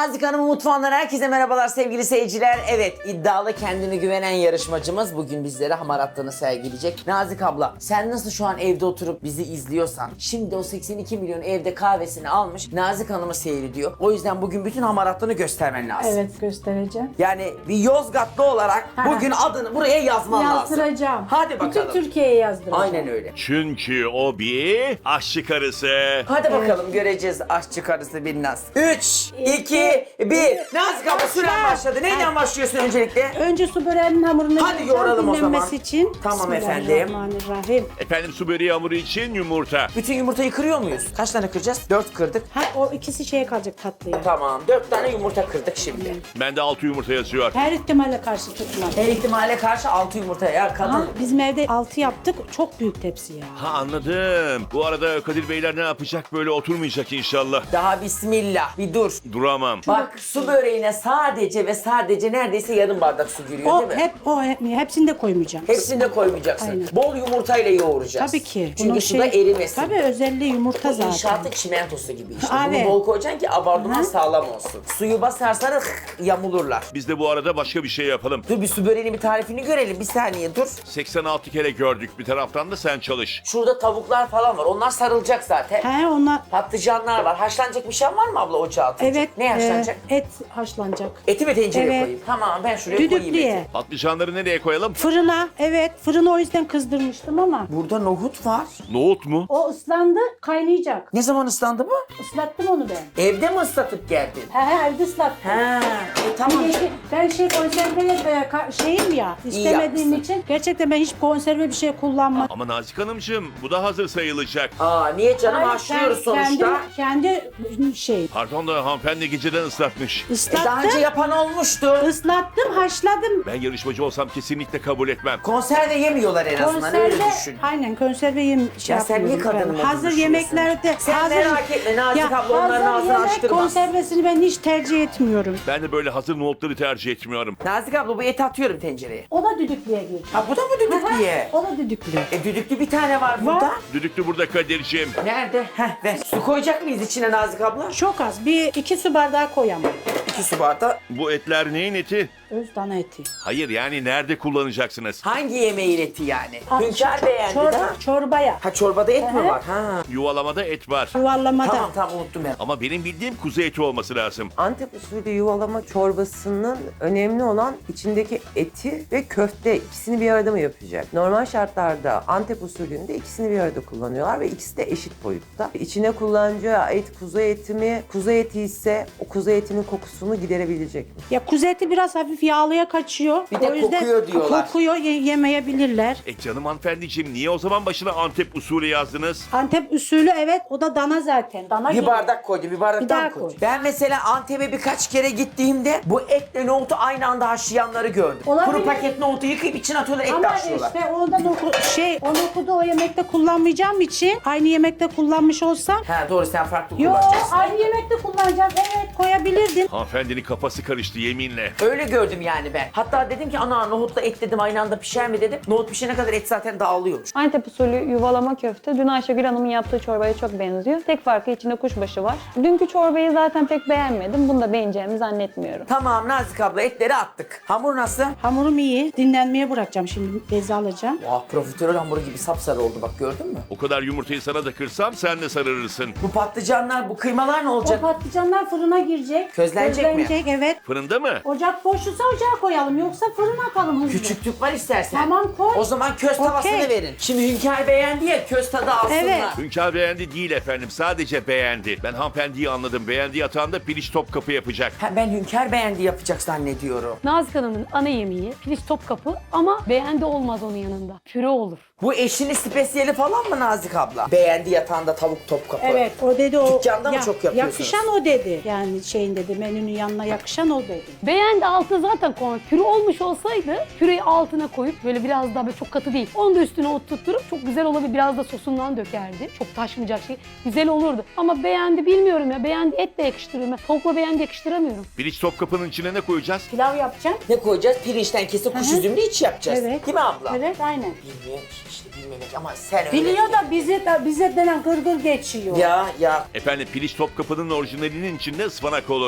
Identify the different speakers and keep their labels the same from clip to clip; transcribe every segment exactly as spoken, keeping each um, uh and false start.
Speaker 1: Nazik Hanım'ın mutfağından herkese merhabalar sevgili seyirciler. Evet, iddialı, kendine güvenen yarışmacımız bugün bizlere hamaratlığını sergileyecek. Nazik abla, sen nasıl şu an evde oturup bizi izliyorsan, şimdi o seksen iki milyon evde kahvesini almış Nazik Hanım'ı seyrediyor. O yüzden bugün bütün hamaratlığını göstermen lazım.
Speaker 2: Evet, göstereceğim.
Speaker 1: Yani bir Yozgatlı olarak bugün adını buraya yazman lazım.
Speaker 2: Yazdıracağım.
Speaker 1: Hadi bakalım.
Speaker 2: Bütün Türkiye'ye yazdıracağım.
Speaker 1: Aynen öyle.
Speaker 3: Çünkü o bir aşçı karısı.
Speaker 1: Hadi bakalım, göreceğiz aşçı karısı Binnaz. üç, iki, bir. Nazik abla, süren başladı. Neyden başlıyorsun öncelikle?
Speaker 2: Önce su böreğinin hamurunu
Speaker 1: Hadi
Speaker 2: yapacağım,
Speaker 1: yoğuralım o zaman.
Speaker 2: dinlenmesi için.
Speaker 1: Tamam efendim.
Speaker 2: Bismillahirrahmanirrahim.
Speaker 3: Efendim su böreği hamuru için yumurta.
Speaker 1: Bütün yumurtayı kırıyor muyuz? Kaç tane kıracağız? Dört kırdık.
Speaker 2: Ha, o ikisi şeye kalacak, tatlıya.
Speaker 1: Tamam. Dört tane yumurta kırdık şimdi.
Speaker 3: Bende altı yumurta yazıyor.
Speaker 2: Her ihtimale karşı tutmam.
Speaker 1: Her ihtimale karşı altı yumurta ya kadın.
Speaker 2: Ha, bizim evde altı yaptık. Çok büyük tepsi ya.
Speaker 3: Ha anladım. Bu arada Kadir Beyler ne yapacak, böyle oturmayacak inşallah.
Speaker 1: Daha bismillah. Bir dur.
Speaker 3: Duramam.
Speaker 1: Bak, su böreğine sadece ve sadece neredeyse yarım bardak su giriyor
Speaker 2: O
Speaker 1: değil mi?
Speaker 2: hep o hep, hepsini de koymayacağım.
Speaker 1: Hepsini de koymayacaksın.
Speaker 2: Aynen.
Speaker 1: Bol yumurtayla yoğuracağız.
Speaker 2: Tabii ki.
Speaker 1: Çünkü
Speaker 2: Bunun
Speaker 1: suda
Speaker 2: şey-
Speaker 1: erimesin.
Speaker 2: Tabii, özelliği yumurta
Speaker 1: Bu
Speaker 2: zaten.
Speaker 1: inşaatın çimentosu gibi işte.
Speaker 2: Abi.
Speaker 1: Bunu bol koyacaksın ki abartıman
Speaker 2: Hı.
Speaker 1: sağlam olsun. Suyu basarsan yamulurlar.
Speaker 3: Biz de bu arada başka bir şey yapalım.
Speaker 1: Dur, bir su böreğinin bir tarifini görelim. Bir saniye dur.
Speaker 3: seksen altı kere gördük. Bir taraftan da sen çalış.
Speaker 1: Şurada tavuklar falan var. Onlar sarılacak zaten.
Speaker 2: He, ona
Speaker 1: Patlıcanlar var. Haşlanacak bir şey var mı abla ocağa atınca?
Speaker 2: evet.
Speaker 1: Ne haşlanacak?
Speaker 2: e, et haşlanacak.
Speaker 1: Eti mi tencereye
Speaker 2: Evet.
Speaker 1: koyayım? Tamam, ben şuraya koyayım
Speaker 2: Düdüklüye.
Speaker 1: eti.
Speaker 3: Patlıcanları nereye koyalım?
Speaker 2: Fırına, evet. Fırını o yüzden kızdırmıştım ama.
Speaker 1: Burada nohut var.
Speaker 3: Nohut mu?
Speaker 2: O ıslandı, kaynayacak.
Speaker 1: Ne zaman ıslandı bu?
Speaker 2: Islattım onu ben.
Speaker 1: Evde mi ıslatıp geldin?
Speaker 2: He he, evde ıslattım.
Speaker 1: Ha, e, tamam.
Speaker 2: Bir de ben şey konserveye e, ka- şeyim ya, istemediğim
Speaker 1: yapmışsın.
Speaker 2: için gerçekten ben hiç konserve bir şey kullanmadım.
Speaker 3: Ama Nazik Hanımcığım bu da hazır sayılacak.
Speaker 1: Aa, niye canım,
Speaker 2: Hayır,
Speaker 1: haşlıyoruz
Speaker 2: kend-
Speaker 1: sonuçta.
Speaker 2: Kendi, kendi şey.
Speaker 3: Pardon da hanımefendi geceden ıslatmış.
Speaker 1: E, daha önce
Speaker 2: Islattım,
Speaker 1: yapan olmuştu.
Speaker 2: ıslattım, haşladım.
Speaker 3: Ben yarışmacı olsam kesinlikle kabul etmem.
Speaker 1: Konserve yemiyorlar en azından, öyle düşün.
Speaker 2: aynen konserve yem şey
Speaker 1: Ya sen niye
Speaker 2: yapmıyorum ben.
Speaker 1: kadının adını
Speaker 2: Hazır
Speaker 1: düşünüyorsun?
Speaker 2: yemeklerde.
Speaker 1: Sen
Speaker 2: hazır,
Speaker 1: merak etme, Nazik abla onların
Speaker 2: hazır
Speaker 1: ağzını
Speaker 2: yemek
Speaker 1: açtırmaz.
Speaker 2: konservesini ben hiç tercih etmiyorum.
Speaker 3: Ben de böyle hazır nohutları tercih etmiyorum.
Speaker 1: Nazik abla, bu eti atıyorum tencereye.
Speaker 2: O da düdüklüye girecek.
Speaker 1: Ha, bu da mı düdüklüye?
Speaker 2: O da düdüklü.
Speaker 1: E, düdüklü bir tane var burada.
Speaker 3: Düdüklü burada Kadir'ciğim.
Speaker 1: Nerede? Heh, ver. Su koyacak mıyız içine Nazik abla?
Speaker 2: Çok az. Bir iki su bardağı koyamam.
Speaker 1: İki su bardağı.
Speaker 3: Bu etler neyin eti?
Speaker 2: Öz dana eti.
Speaker 3: Hayır, yani nerede kullanacaksınız?
Speaker 1: Hangi yemeğin eti yani?
Speaker 2: Ha,
Speaker 1: Hünkar beğendi
Speaker 2: çor-
Speaker 1: de.
Speaker 2: Çorbaya.
Speaker 1: Ha, çorbada et mi
Speaker 2: Hı hı.
Speaker 1: var? Ha.
Speaker 3: Yuvalamada et var.
Speaker 2: Yuvarlamada.
Speaker 1: Tamam tamam, unuttum ben.
Speaker 3: Ama benim bildiğim kuzu eti olması lazım.
Speaker 4: Antep usulü yuvalama çorbasının önemli olan içindeki eti ve köfte, ikisini bir arada mı yapacak? Normal şartlarda Antep usulünde ikisini bir arada kullanıyorlar ve ikisi de eşit boyutta. İçine kullanacağı et kuzu eti mi? Kuzu eti ise o kuzu etinin kokusunu giderebilecek mi?
Speaker 2: Ya kuzu eti biraz hafif yağlıya kaçıyor.
Speaker 1: Bir de
Speaker 2: O yüzden
Speaker 1: kokuyor diyorlar.
Speaker 2: Kokuyor, ye- yemeyebilirler.
Speaker 3: E canım hanımefendiciğim, niye o zaman başına Antep usulü yazdınız?
Speaker 2: Antep usulü, evet, o da dana zaten. Dana
Speaker 1: Bir
Speaker 2: gibi.
Speaker 1: bardak koydu, bir bardak
Speaker 2: Bir
Speaker 1: daha
Speaker 2: daha
Speaker 1: koy.
Speaker 2: koy.
Speaker 1: Ben mesela Antep'e birkaç kere gittiğimde bu etle nohutu aynı anda haşlayanları gördüm.
Speaker 2: Olabilir.
Speaker 1: Kuru paket nohutu yıkayıp içine atıyorlar, etle
Speaker 2: Ama
Speaker 1: haşlıyorlar.
Speaker 2: işte ondan oku, şey, o nohudu o yemekte kullanmayacağım için aynı yemekte kullanmış olsam.
Speaker 1: Ha doğru, sen farklı
Speaker 2: Yo,
Speaker 1: kullanacaksın.
Speaker 2: aynı yemekte kullanacağım. Evet, koyabilirdin.
Speaker 3: Hanımefendinin kafası karıştı yeminle.
Speaker 1: Öyle gördüm yani ben. Hatta dedim ki ana, nohutla et dedim aynı anda pişer mi dedim. Nohut pişene kadar et zaten dağılıyormuş.
Speaker 5: Antep usulü yuvalama köfte dün Ayşegül Hanım'ın yaptığı çorbaya çok benziyor. Tek farkı içinde kuşbaşı var. Dünkü çorbayı zaten pek beğenmedim. Bunu da beğeneceğimi zannetmiyorum.
Speaker 1: Tamam Nazik abla, etleri attık. Hamur nasıl?
Speaker 2: Hamurum iyi. Dinlenmeye bırakacağım şimdi. Beze alacağım.
Speaker 1: Vah, profiterol hamuru gibi sapsarı oldu, bak gördün mü?
Speaker 3: O kadar yumurtayı sana da kırsam sen de sararırsın.
Speaker 1: Bu patlıcanlar, bu kıymalar ne
Speaker 2: O
Speaker 1: olacak?
Speaker 2: patlıcanlar fırına girecek.
Speaker 1: Közlenecek mi?
Speaker 2: Közlenecek, evet.
Speaker 3: Fırında mı?
Speaker 2: Ocak boşsa ocağa koyalım. Yoksa fırına atalım hızlı.
Speaker 1: Küçük tüp var istersen.
Speaker 2: Tamam, koy.
Speaker 1: O zaman köz tavasını
Speaker 2: Okey.
Speaker 1: verin. Şimdi Hünkar beğendi ya, köz tadı alsınlar.
Speaker 2: Evet.
Speaker 3: Hünkar beğendi değil efendim, sadece beğendi. Ben hanımefendiyi anladım, beğendiği atağında piliç Topkapı yapacak.
Speaker 1: Ha, ben Hünkar beğendi yapacak zannediyorum.
Speaker 6: Nazik Hanım'ın ana yemeği piliç Topkapı ama beğendi olmaz onun yanında. Püre olur.
Speaker 1: Bu eşinin spesiyeli falan mı Nazik abla? Beğendi yatağında tavuk Topkapı.
Speaker 2: Evet, o dedi o.
Speaker 1: Dükkanda mı çok yapıyorsunuz?
Speaker 2: Yakışan o dedi. Yani şeyin dedi, menünün yanına yakışan o dedi.
Speaker 6: Beğendi altına zaten koymak. Püre olmuş olsaydı püreyi altına koyup böyle biraz daha böyle çok katı değil. Onu da üstüne oturtturup çok güzel olabilir. Biraz da sosundan dökerdi. Çok taşmayacak şey. Güzel olurdu. Ama beğendi bilmiyorum ya. Beğendi etle yakıştırıyorum. Ben tavukla beğendi yakıştıramıyorum.
Speaker 3: Piliç Topkapı'nın içine ne koyacağız?
Speaker 2: Pilav yapacağım.
Speaker 1: Ne koyacağız? Pirinçten kesip kuş
Speaker 2: Hı hı.
Speaker 1: üzümlü iç yapacağız.
Speaker 2: Evet.
Speaker 1: Değil mi abla?
Speaker 2: Evet, aynen.
Speaker 1: Bilmiyorum ki işte, bilmemek ama sen öyle.
Speaker 2: Biliyor da bize de bize denen gırgır geçiyor.
Speaker 1: Ya ya.
Speaker 3: Efendim piliç Topkapı'nın orijinalinin içinde ıspanak olur.
Speaker 1: Bak senin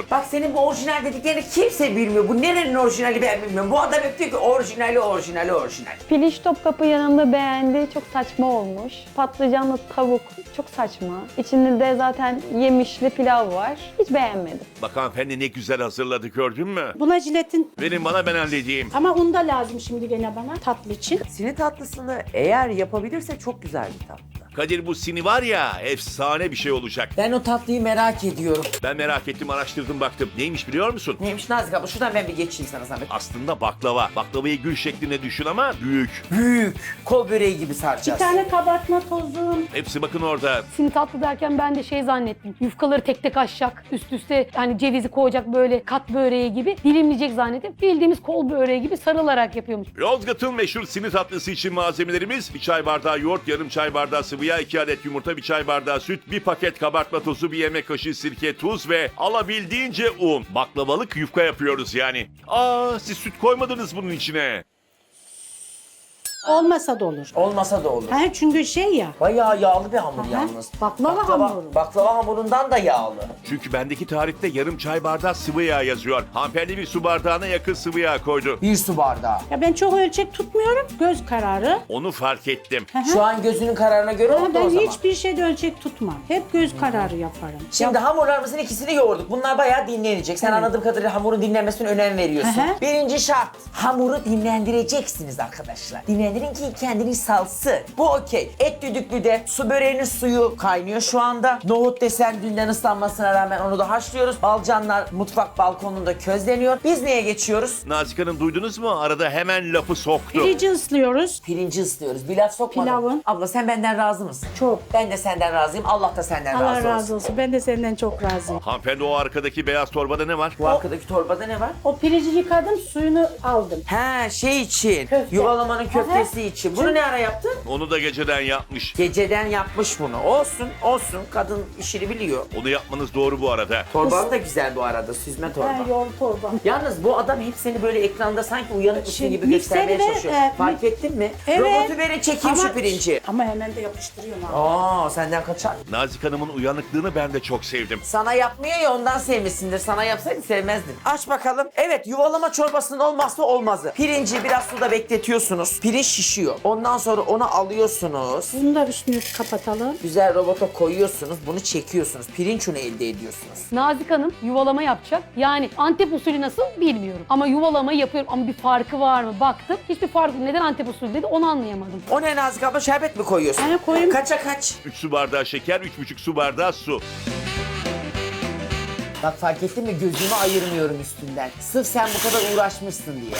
Speaker 1: senin bu orijinal dediklerini kimse bilmiyor. Bu nerenin orijinali ben bilmiyorum. Bu adam hep diyor ki orijinali, orijinali, orijinal.
Speaker 5: Piliç Topkapı yanında beğendi. Çok saçma olmuş. Patlıcanlı tavuk çok saçma. İçinde de zaten yemişli pilav var. Hiç beğenmedim.
Speaker 3: Bak hanımefendi ne güzel hazırladı gördün mü?
Speaker 2: Buna jiletin
Speaker 3: Verin bana ben halledeyim.
Speaker 2: ama un da lazım şimdi gene bana tatlı için.
Speaker 4: Sini tatlısını eğer yapabilirse çok güzel bir tatlı.
Speaker 3: Kadir bu sini var ya efsane bir şey olacak.
Speaker 1: Ben o tatlıyı merak ediyorum.
Speaker 3: Ben merak ettim araştırdım baktım. Neymiş biliyor musun?
Speaker 1: Neymiş Nazik abla? Şuradan ben bir geçeyim sana zahmet.
Speaker 3: Aslında baklava. Baklavayı gül şeklinde düşün ama büyük.
Speaker 1: Büyük. Kol böreği gibi
Speaker 2: Bir
Speaker 1: saracağız.
Speaker 2: tane kabartma tozu.
Speaker 3: Hepsi bakın orada.
Speaker 6: Sini tatlı derken ben de şey zannettim. Yufkaları tek tek açacak. Üst üste yani cevizi koyacak böyle kat böreği gibi. Dilimleyecek zannettim. Bildiğimiz kol böreği gibi sarılarak yapıyormuş.
Speaker 3: Yozgat'ın meşhur sini tatlısı için malzemelerimiz bir çay bardağı yoğurt, yarım çay bardağı sıvı yağ, iki adet yumurta, bir çay bardağı süt, bir paket kabartma tozu, bir yemek kaşığı sirke, tuz ve alabildiğince un. Baklavalık yufka yapıyoruz yani. Aa siz süt koymadınız bunun içine.
Speaker 2: Olmasa da olur.
Speaker 1: Olmasa da olur.
Speaker 2: Ha, çünkü şey ya.
Speaker 1: Bayağı yağlı bir hamur
Speaker 2: Aha,
Speaker 1: yalnız.
Speaker 2: baklava hamuru.
Speaker 1: Baklava hamurundan da yağlı.
Speaker 3: Çünkü bendeki tarifte yarım çay bardağı sıvı yağ yazıyor. Hanımefendi bir su bardağına yakın sıvı yağ koydu.
Speaker 1: Bir su bardağı.
Speaker 2: Ya ben çok ölçek tutmuyorum. Göz kararı.
Speaker 3: Onu fark ettim.
Speaker 1: Şu an gözünün kararına göre
Speaker 2: Ama
Speaker 1: oldu o
Speaker 2: ben
Speaker 1: zaman.
Speaker 2: hiçbir şeyde ölçek tutmam. Hep göz kararı yaparım.
Speaker 1: Şimdi hamurlarımızın ikisini yoğurduk. Bunlar bayağı dinlenecek. Sen
Speaker 2: Evet.
Speaker 1: anladığım kadarıyla hamurun dinlenmesine önem veriyorsun.
Speaker 2: Hı hı.
Speaker 1: Birinci şart. Hamuru dinlendireceksiniz arkadaşlar. Dinlendirin ki kendini salsın. Bu okey. Et düdüklüde su böreğinin suyu kaynıyor şu anda. Nohut desen dünden ıslanmasına rağmen onu da haşlıyoruz. Balcanlar mutfak balkonunda közleniyor. Biz neye geçiyoruz?
Speaker 3: Nazik Hanım duydunuz mu? Arada hemen lafı soktu.
Speaker 2: Pirinci ıslıyoruz.
Speaker 1: Pirinci ıslıyoruz. Bir laf sokmadım.
Speaker 2: Pilavın.
Speaker 1: Abla sen benden razı mısın?
Speaker 2: Çok.
Speaker 1: Ben de senden razıyım. Allah da senden
Speaker 2: Allah
Speaker 1: razı,
Speaker 2: razı
Speaker 1: olsun.
Speaker 2: olsun. Ben de senden çok razıyım.
Speaker 3: Hanımefendi o arkadaki beyaz torbada ne var?
Speaker 1: Bu arkadaki torbada ne var?
Speaker 2: O pirinci yıkadım, suyunu aldım.
Speaker 1: He şey için.
Speaker 2: Köfte.
Speaker 1: Yuvalamanın köftesi
Speaker 2: Aha.
Speaker 1: için. Bunu ne ara yaptın?
Speaker 3: Onu da geceden yapmış.
Speaker 1: Geceden yapmış bunu. Olsun, olsun. Kadın işini biliyor.
Speaker 3: Onu yapmanız doğru bu arada.
Speaker 1: Torban da güzel bu arada, süzme torba.
Speaker 2: Ha, yoğurt torba.
Speaker 1: Yalnız bu adam hep seni böyle ekranda sanki uyanık mısın
Speaker 2: Şey,
Speaker 1: gibi
Speaker 2: mikseri
Speaker 1: göstermeye
Speaker 2: de,
Speaker 1: çalışıyor.
Speaker 2: e,
Speaker 1: Fark ettin mi?
Speaker 2: Evet.
Speaker 1: Robotu verin çekeyim şu pirinci.
Speaker 2: Ama hemen de yapıştırıyorum abi.
Speaker 1: Aa senden kaçar.
Speaker 3: Nazik Hanım'ın uyanıklığını ben de çok sevdim.
Speaker 1: Sana yapmıyor ya ondan sevmişsindir. Sana yapsaydı sevmezdin. Aç bakalım. Evet yuvalama çorbasının olmazsa olmazı. Pirinci biraz suda bekletiyorsunuz. Pirinç şişiyor. Ondan sonra onu alıyorsunuz.
Speaker 2: Bunu da üstünü kapatalım.
Speaker 1: Güzel robota koyuyorsunuz. Bunu çekiyorsunuz. Pirinç unu elde ediyorsunuz.
Speaker 6: Nazik Hanım yuvalama yapacak. Yani Antep usulü nasıl bilmiyorum. Ama yuvalamayı yapıyorum. Ama bir farkı var mı? Baktım. Hiçbir farkı yok. Neden Antep usulü dedi onu anlayamadım.
Speaker 1: O ne Nazik abla? Şerbet mi koyuyorsun?
Speaker 2: Ha, koyayım.
Speaker 1: Kaça kaç?
Speaker 3: üç su bardağı şeker, üç buçuk su bardağı su.
Speaker 1: Bak fark ettin mi? Gözümü ayırmıyorum üstünden. Sırf sen bu kadar uğraşmışsın diye.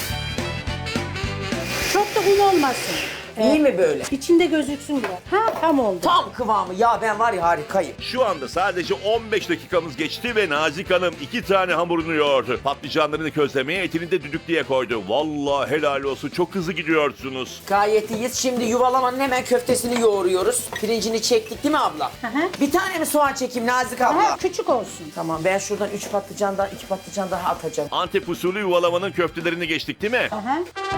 Speaker 2: Çok da un olmasın.
Speaker 1: İyi mi böyle?
Speaker 2: İçinde gözüksün biraz. Ha tam oldu.
Speaker 1: Tam kıvamı. Ya ben var ya harikayım.
Speaker 3: Şu anda sadece on beş dakikamız geçti ve Nazik Hanım iki tane hamurunu yoğurdu. Patlıcanlarını közlemeye, etini de düdüklüye koydu. Vallahi helal olsun, çok hızlı gidiyorsunuz.
Speaker 1: Gayet iyiyiz. Şimdi yuvalamanın hemen köftesini yoğuruyoruz. Pirincini çektik değil mi abla?
Speaker 2: Hı hı.
Speaker 1: Bir tane mi soğan çekeyim Nazik abla?
Speaker 2: Ha, küçük olsun.
Speaker 1: Tamam ben şuradan üç patlıcandan iki patlıcan daha atacağım.
Speaker 3: Antep usulü yuvalamanın köftelerini geçtik değil mi?
Speaker 2: Aha.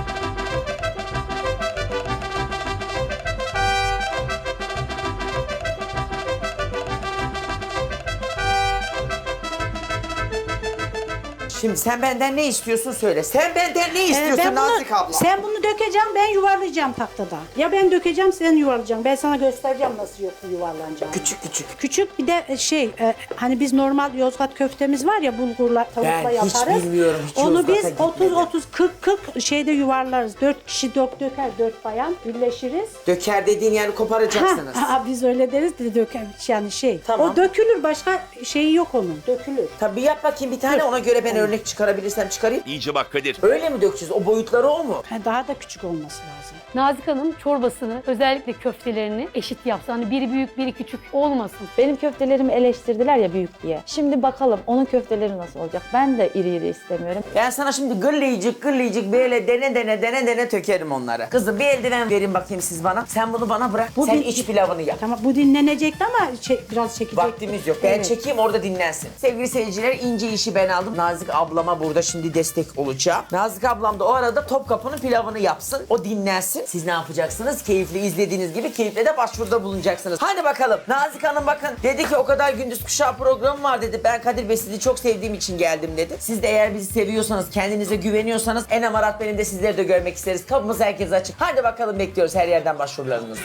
Speaker 1: Şimdi sen benden ne istiyorsun söyle. Sen benden ne
Speaker 2: Ee,
Speaker 1: istiyorsun
Speaker 2: ben bunu-
Speaker 1: Nazik abla?
Speaker 2: Sen bunu dökeceğim, ben yuvarlayacağım tahtada. Ya ben dökeceğim, sen yuvarlayacaksın. Ben sana göstereceğim nasıl yok yuvarlanacağını.
Speaker 1: Küçük küçük.
Speaker 2: Küçük bir de şey, e, hani biz normal Yozgat köftemiz var ya bulgurla, tavukla
Speaker 1: Ben hiç
Speaker 2: yaparız.
Speaker 1: bilmiyorum, hiç
Speaker 2: Onu
Speaker 1: Yozgat'a
Speaker 2: biz otuz
Speaker 1: gitmedim.
Speaker 2: otuz kırk kırk şeyde yuvarlarız. Dört kişi dök döker, dört bayan birleşiriz.
Speaker 1: Döker dediğin yani koparacaksınız.
Speaker 2: Ha, ha, biz öyle deriz de döker yani şey.
Speaker 1: Tamam.
Speaker 2: O dökülür, başka şeyi yok onun. Dökülür.
Speaker 1: Tabii yap bakayım bir tane
Speaker 2: Dur.
Speaker 1: ona göre ben örnek çıkarabilirsem çıkarayım.
Speaker 3: İyice bak Kadir.
Speaker 1: Öyle mi dökeceğiz? O boyutları o mu?
Speaker 2: Ha, daha da küçük olması lazım.
Speaker 6: Nazik Hanım çorbasını özellikle köftelerini eşit yapsın. Hani biri büyük biri küçük olmasın.
Speaker 5: Benim köftelerimi eleştirdiler ya büyük diye. Şimdi bakalım onun köfteleri nasıl olacak? Ben de iri iri istemiyorum.
Speaker 1: Ben sana şimdi gırlayıcık gırlayıcık böyle dene dene dene dene tökerim onları. Kızım bir eldiven verin bakayım siz bana. Sen bunu bana bırak.
Speaker 2: Bu
Speaker 1: Sen
Speaker 2: bir-
Speaker 1: iç pilavını yap.
Speaker 2: Tamam bu dinlenecekti ama çe- biraz çekecek.
Speaker 1: Vaktimiz yok. Ben
Speaker 2: Evet.
Speaker 1: çekeyim orada dinlensin. Sevgili seyirciler ince işi ben aldım. Nazik ablama burada şimdi destek olacağım. Nazik ablam da o arada Topkapı'nın pilavını yapsın. O dinlensin. Siz ne yapacaksınız? Keyifli izlediğiniz gibi keyifle de başvuruda bulunacaksınız. Hadi bakalım. Nazik Hanım bakın dedi ki o kadar gündüz kuşağı programı var dedi. Ben Kadir Bey sizi çok sevdiğim için geldim dedi. Siz de eğer bizi seviyorsanız, kendinize güveniyorsanız Enem Arat benim de sizleri de görmek isteriz. Kapımız herkese açık. Hadi bakalım bekliyoruz her yerden başvurularınızı.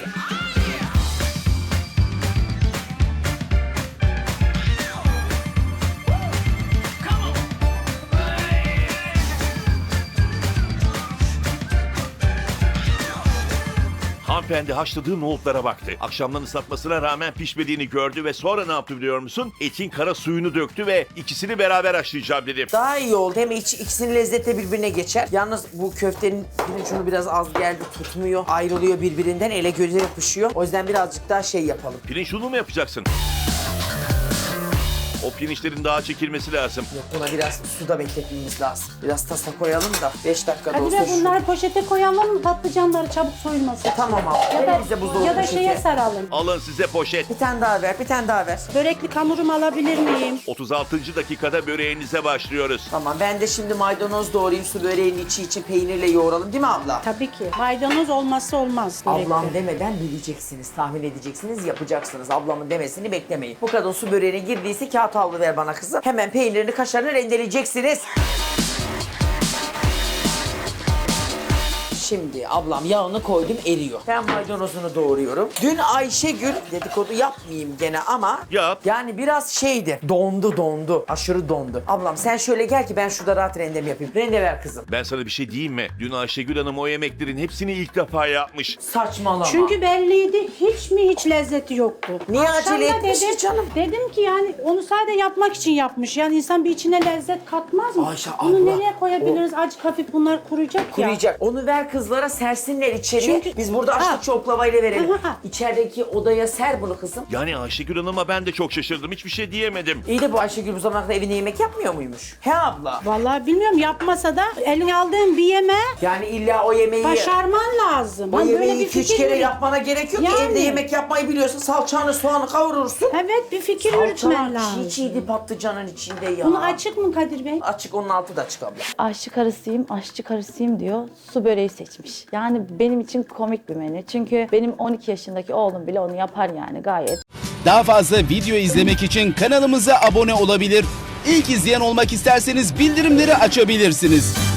Speaker 3: Hanımefendi haşladığı nohutlara baktı. Akşamdan ıslatmasına rağmen pişmediğini gördü ve sonra ne yaptı biliyor musun? Etin kara suyunu döktü ve ikisini beraber haşlayacağım dedi.
Speaker 1: Daha iyi oldu. Hem iç, ikisinin lezzeti birbirine geçer. Yalnız bu köftenin pirinç biraz az geldi. Tutmuyor. Ayrılıyor birbirinden. Ele göze yapışıyor. O yüzden birazcık daha şey yapalım.
Speaker 3: Pirinç unu mu yapacaksın? O pirinçlerin daha çekilmesi lazım.
Speaker 1: Yok, buna biraz suda bekletmemiz lazım. Biraz tasa koyalım da beş dakikada
Speaker 2: Hadi
Speaker 1: olsa
Speaker 2: be
Speaker 1: şu.
Speaker 2: bunları poşete koyalım mı patlıcanları çabuk soyulmasın.
Speaker 1: Tamam abi.
Speaker 2: Ya da,
Speaker 1: Verin bize buzdolabı
Speaker 2: ya da
Speaker 1: poşeti.
Speaker 2: şeye saralım.
Speaker 3: Alın size poşet.
Speaker 1: Bir tane daha ver, bir tane daha ver.
Speaker 2: Börekli hamurumu alabilir miyim?
Speaker 3: otuz altıncı dakikada böreğinize başlıyoruz.
Speaker 1: Tamam, ben de şimdi maydanoz doğrayayım, su böreğinin içi için peynirle yoğuralım değil mi abla?
Speaker 2: Tabii ki. Maydanoz olmazsa olmaz. börekte.
Speaker 1: Ablam demeden bileceksiniz, tahmin edeceksiniz, yapacaksınız. Ablamın demesini beklemeyin. Bu kadar su böreğine girdiyse kağıt havlu ver bana kızım. Hemen peynirini, kaşarını rendeleyeceksiniz. Şimdi ablam yağını koydum, eriyor. Ben maydanozunu doğruyorum. Dün Ayşegül, dedikodu yapmayayım gene ama
Speaker 3: Yap.
Speaker 1: yani biraz şeydi, dondu dondu, aşırı dondu. Ablam sen şöyle gel ki ben şurada rahat rendemi yapayım. Rende ver kızım.
Speaker 3: Ben sana bir şey diyeyim mi? Dün Ayşegül Hanım o yemeklerin hepsini ilk defa yapmış.
Speaker 1: Saçmalama.
Speaker 2: Çünkü belliydi. Hiç mi hiç lezzeti yoktu.
Speaker 1: Niye
Speaker 2: Akşam
Speaker 1: acele
Speaker 2: da
Speaker 1: etmiş
Speaker 2: dedim,
Speaker 1: ki canım?
Speaker 2: Dedim ki yani onu sadece yapmak için yapmış. Yani insan bir içine lezzet katmaz mı?
Speaker 1: Ayşe
Speaker 2: Bunu
Speaker 1: abla,
Speaker 2: nereye koyabiliriz? Acık hafif bunlar kuruyacak ya.
Speaker 1: Kuruyacak. Onu ver kızlara sersinler içeriye.
Speaker 2: Çünkü-
Speaker 1: Biz burada
Speaker 2: Ha.
Speaker 1: açlıkça oklavayla verelim.
Speaker 2: Ha, ha.
Speaker 1: İçerideki odaya ser bunu kızım.
Speaker 3: Yani Ayşegül Hanım'a ben de çok şaşırdım. Hiçbir şey diyemedim.
Speaker 1: İyi de bu Ayşegül bu zamana kadar evine yemek yapmıyor muymuş? He abla.
Speaker 2: Vallahi bilmiyorum yapmasa da eline aldığın bir yemeği
Speaker 1: Yani illa o yemeği...
Speaker 2: başarman lazım.
Speaker 1: O
Speaker 2: Hani böyle
Speaker 1: yemeği
Speaker 2: bir
Speaker 1: iki üç
Speaker 2: fikir
Speaker 1: kere
Speaker 2: yürüt.
Speaker 1: yapmana gerek yok ki.
Speaker 2: Yani.
Speaker 1: Evde yemek yapmayı biliyorsun. Salçanı, soğanı kavurursun.
Speaker 2: Evet bir fikir yürütmen
Speaker 1: Salçalar
Speaker 2: lazım.
Speaker 1: çiğ çiğdi patlıcanın içinde ya.
Speaker 2: Bunu açık mı Kadir Bey?
Speaker 1: Açık, onun altı da açık abla.
Speaker 5: Aşçı karısıyım, aşçı karısıyım diyor. Su böreği seçmiş. Yani benim için komik bir menü. Çünkü benim on iki yaşındaki oğlum bile onu yapar yani gayet.
Speaker 7: Daha fazla video izlemek için kanalımıza abone olabilir. İlk izleyen olmak isterseniz bildirimleri açabilirsiniz.